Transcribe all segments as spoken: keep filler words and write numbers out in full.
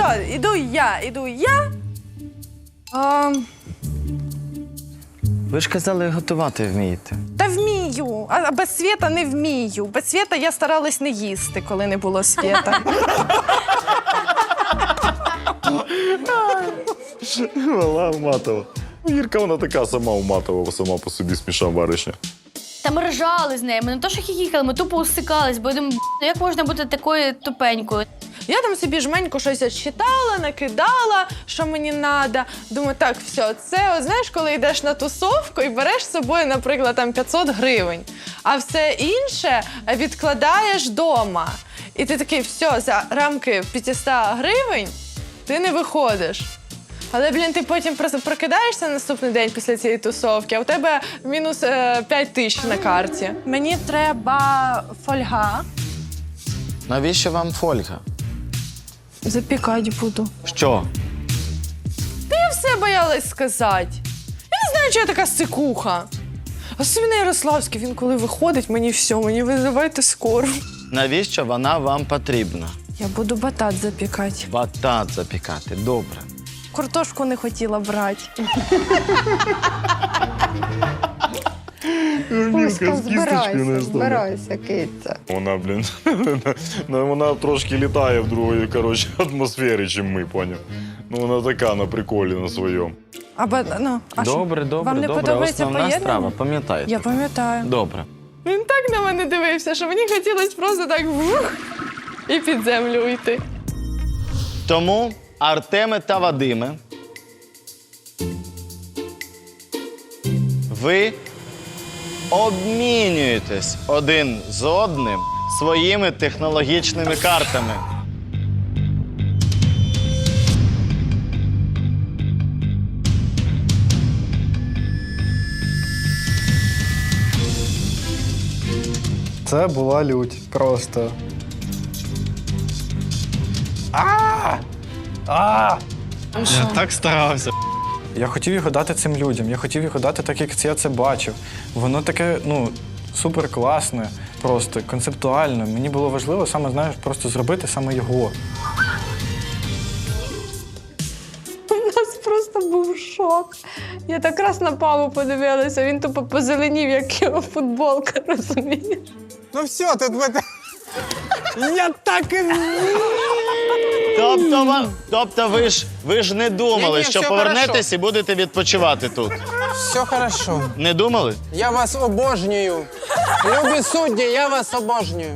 Все, іду я, іду я. А, Ви ж казали, готувати вмієте. та вмію, а без світа не вмію. Без світа я старалась не їсти, коли не було світа. Вона уматова. Вірка, вона така сама уматова, сама по собі смішна баришня. Та ми ржали з нею, ми не то, що хіхікали, ми тупо усикались, бо я думаю, ну як можна бути такою тупенькою? Я там собі жменько щось читала, накидала, що мені треба. Думаю, так, все, це, от, знаєш, коли йдеш на тусовку і береш з собою, наприклад, там п'ятсот гривень, а все інше відкладаєш вдома. І ти такий, все, за рамки п'ятсот гривень ти не виходиш. Але, блін, ти потім просто прокидаєшся наступний день після цієї тусовки, а у тебе мінус е, п'ять тисяч на карті. Мені треба фольга. Навіщо вам фольга? Запікати буду. Що? Я все боялась сказати. Я не знаю, чого я така сикуха. Особливо Ярославський, він коли виходить, мені все, мені визивайте скору. Навіщо вона вам потрібна? Я буду батат запікати. Батат запікати, добре. Картошку не хотіла брати. Вірка з кісточкою не збирайся, киця. Вона, блін, вона трошки літає в другої, коротше, атмосфері, чим ми, поняв. Ну, вона така на приколі на своєму. А, ба- ну, а що? Добре, добре, Вам не добре. подобається Основна поєднання? страва, пам'ятаєте? Я пам'ятаю. Добре. Він так на мене дивився, що мені хотілося просто так вух, і під землю уйти. Тому, Артеме та Вадиме, ви обмінюєтесь один з одним своїми технологічними картами. Це була лють. Просто. А! А! Я так старався. Я хотів його дати цим людям. Я хотів його дати так, як я це бачив. Воно таке, ну, супер класне, просто концептуально. Мені було важливо саме, знаєш, просто зробити саме його. У нас просто був шок. Я так раз на Паву подивилася, він тупо позеленів, як його футболка, розумієш? Ну все, тут ви... Я так і... Тобто, ва- тобто ви ж, ви ж не думали, Ні-ні, що все повернетесь хорошо. і будете відпочивати тут? Все хорошо. Не думали? Я вас обожнюю. Любі судді, я вас обожнюю.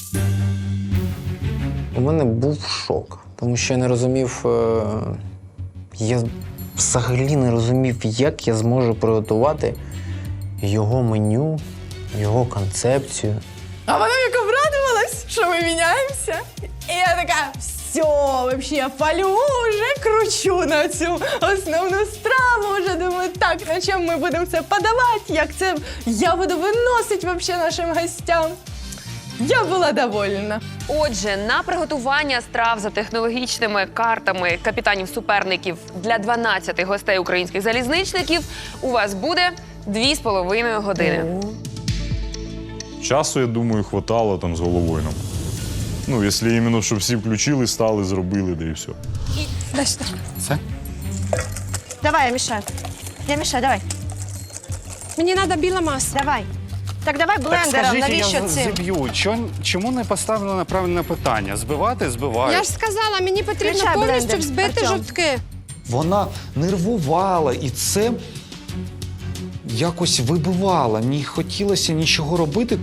У мене був шок, тому що я не розумів, е, я взагалі не розумів, як я зможу приготувати його меню, його концепцію. А вона як обрадувалась, що ми міняємося. І я така, все, вообще, я палю, вже кручу на цю основну страву. Вже думаю, так, на чому ми будемо це подавати, як це я буду виносити вообще нашим гостям. Я була довольна. Отже, на приготування страв за технологічними картами капітанів-суперників для дванадцяти гостей українських залізничників у вас буде дві з половиною години. Часу, я думаю, хватало там з головою нам. Ну, якщо іменно, щоб всі включили, стали, зробили, да і все. Дай сюди. Це? Давай, я мішаю. Я мішаю, давай. Мені треба біла маса. Давай. Так давай блендером, навіщо цим? зіб'ю. Чому не поставлено правильне питання? Збивати? Збиваю. Я ж сказала, мені потрібно Включай повністю блендер, взбити Артем. жовтки. Вона нервувала, і це якось вибивало. Не хотілося нічого робити.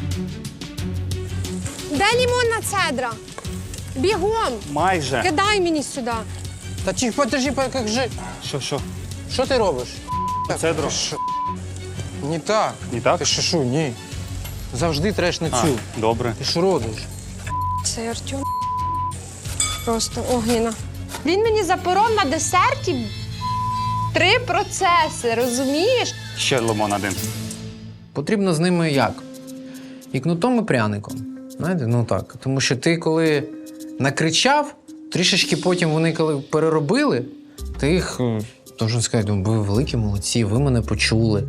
Де лімонна цедра? Бігом! Майже. Кидай мені сюди. Та чи подожди, покажи. Що, що? Що ти робиш? Цедру. Не так. Не так? Ти що, що, ні. Завжди треш на цю. А, добре. Ти що робиш? Це Артем. Просто огніна. Він мені запоров на десерті три процеси, розумієш? Ще лимон один. Потрібно з ними як? І кнутом, і пряником. Знаєте, ну так. Тому що ти коли накричав, трішечки потім вони коли переробили, ти їх, е, должен сказати, ви великі молодці, ви мене почули.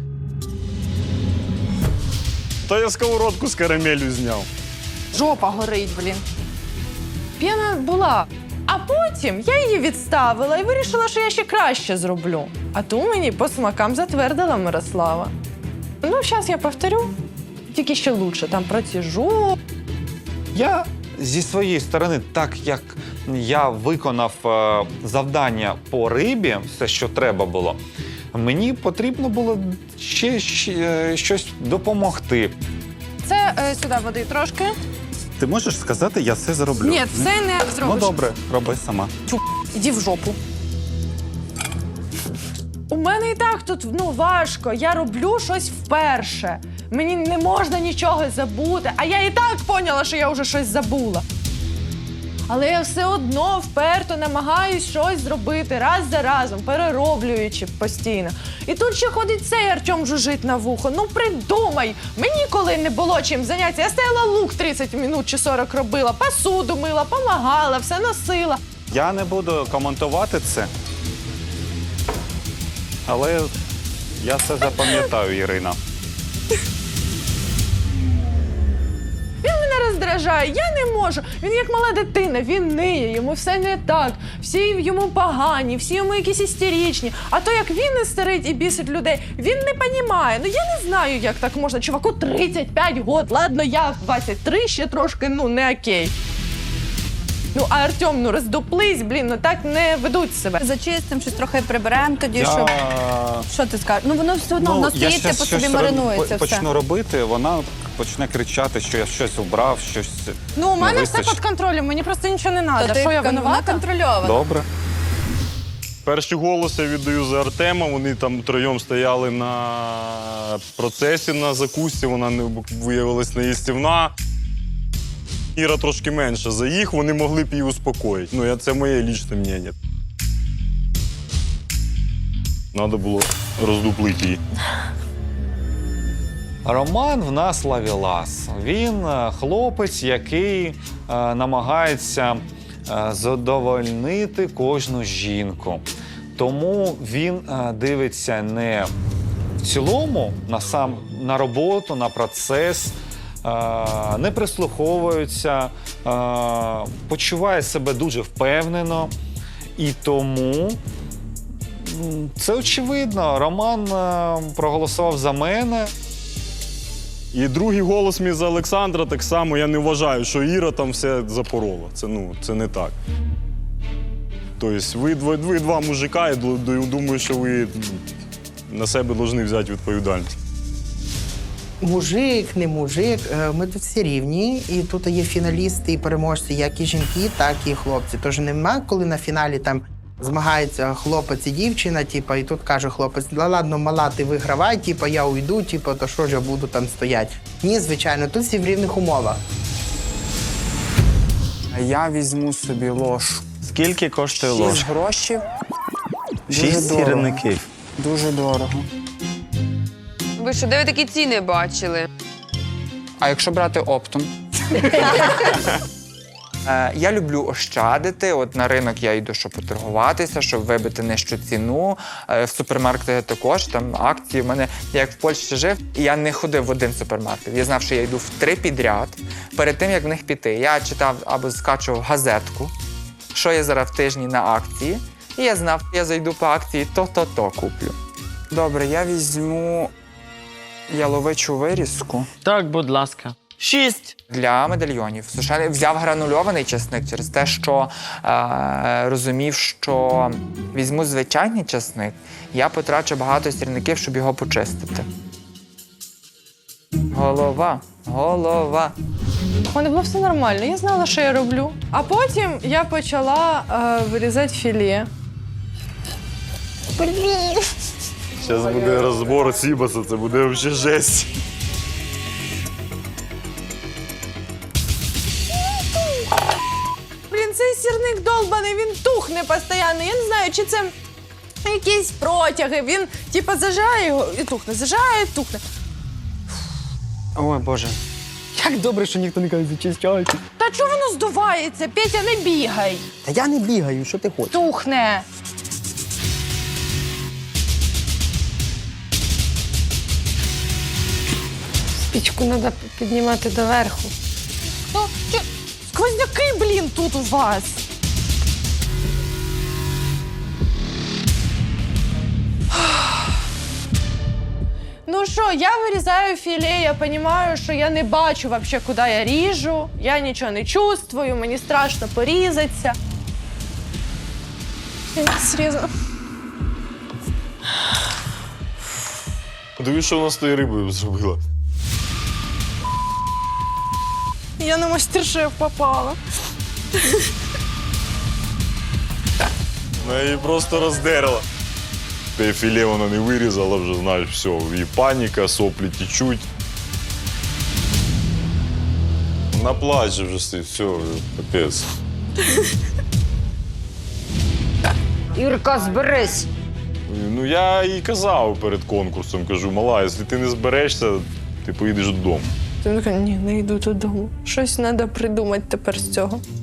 Та я сковородку з карамелью зняв. Жопа горить, блін. П'яна була. А потім я її відставила і вирішила, що я ще краще зроблю. А ту мені по смакам затвердила Мирослава. Ну, зараз я повторю, тільки ще лучше. Там протяжу. Я зі своєї сторони, так як я виконав е, завдання по рибі, все, що треба було, мені потрібно було ще, ще е, щось допомогти. Це е, сюди води трошки. Ти можеш сказати, я все зроблю? Ні, це не Ну зробиш. добре, роби сама. Іди в жопу. У мене і так тут ну, важко. Я роблю щось вперше. Мені не можна нічого забути. А я і так поняла, що я вже щось забула. Але я все одно вперто намагаюсь щось зробити раз за разом, перероблюючи постійно. І тут ще ходить цей Артем жужить на вухо. Ну придумай! Мені коли не було чим зайнятися, я стояла лук тридцять минут чи сорок робила, посуду мила, помагала, все носила. Я не буду коментувати це. Але я все запам'ятаю, Ірина. Він мене роздражає, я не можу. Він як мала дитина, він ниє, йому все не так. Всі йому погані, всі йому якісь істеричні. А то, як він істерить і бісить людей, він не понімає. Ну я не знаю, як так можна. Чуваку тридцять п'ять років, ладно, я в двадцять три ще трошки, ну, не окей. Ну, а Артем, ну роздуплись, блін, ну так не ведуть себе. Зачистимо, щось трохи приберемо тоді, Я... щоб... Що ти скажеш? Ну воно все одно, воно я стоїть, щас по собі щось маринується роб- все. почну робити, вона почне кричати, що я щось убрав, щось Ну, у не мене все вистачить. під контролем, мені просто нічого не треба. То ти Що я кон- вона винувата? контрольована. Добре. Перші голоси віддаю за Артема. Вони там троєм стояли на процесі на закусці, вона не виявилась неїстівна. Іра трошки менше за їх, вони могли б її успокоїти. Ну, я, це моє лічне мнення. Треба було роздуплити її. Роман в нас лавілас. Він е, хлопець, який е, намагається е, задовольнити кожну жінку. Тому він е, дивиться не в цілому на сам на роботу, на процес, е, не прислуховується, е, почуває себе дуже впевнено. І тому м, це очевидно. Роман е, проголосував за мене. І другий голос мій за Олександра так само. Я не вважаю, що Іра там все запорола. Це, ну, це не так. Тобто ви, ви, ви два мужика, я ду- думаю, що ви на себе повинні взяти відповідальність. Мужик, не мужик, е, ми тут всі рівні, і тут є фіналісти і переможці, як і жінки, так і хлопці. Тож нема, коли на фіналі там змагається хлопець і дівчина, типу, і тут каже хлопець: «Да ладно, мала, ти вигравай, типу, я уйду, типу, то що ж я буду там стояти». Ні, звичайно, тут всі в рівних умовах. Я візьму собі ложку. Скільки коштує Шість ложка? грошів. Дуже Шість дорого. сірників. Дуже дорого. Ви що, де ви такі ціни бачили? А якщо брати оптом? Е, Я люблю ощадити. От на ринок я йду, щоб поторгуватися, щоб вибити нижчу ціну. Е, В супермаркети також там акції. У мене я як в Польщі жив, і я не ходив в один супермаркет. Я знав, що я йду в три підряд. Перед тим як в них піти, я читав або скачував газетку, що є зараз в тижні на акції. І я знав, я зайду по акції, то-то-то куплю. Добре, я візьму яловичу вирізку. Так, будь ласка. Шість. Для медальйонів. Сушений взяв гранульований чесник через те, що е, розумів, що візьму звичайний чесник, я потрачу багато сірників, щоб його почистити. Голова, голова. У мене було все нормально, я знала, що я роблю. А потім я почала е, вирізати філе. Зараз буде розбор Сібаса, це буде взагалі жесть. Блін, цей сірник долбаний, він тухне постійно. Я не знаю, чи це якісь протяги. Він, типа, зажає його і тухне, зажає і тухне. Ой, Боже. Як добре, що ніхто не каже, зачищайте. Та чого воно здувається? Петя, не бігай. Та я не бігаю, що ти хочеш? Тухне. Пічку треба піднімати доверху. Ну, чи... сквозняки, блін, тут у вас. Ну що, я вирізаю філе, я розумію, що я не бачу взагалі, куди я ріжу, я нічого не чувствую, мені страшно порізатися. Я не зрізала. Дивись, що вона з тією рибою зробила. Я на мастер-шеф попала. Вона її просто роздерла. Те філе вона не вирізала, вже знаєш, все, і паніка, соплі течуть. Вона плаче вже, все, вже капець. Ірка, зберись. Ну, я їй казав перед конкурсом, кажу, мала, якщо ти не зберешся, ти поїдеш додому. Ти така, ні, не йду додому. Щось треба придумати тепер з цього.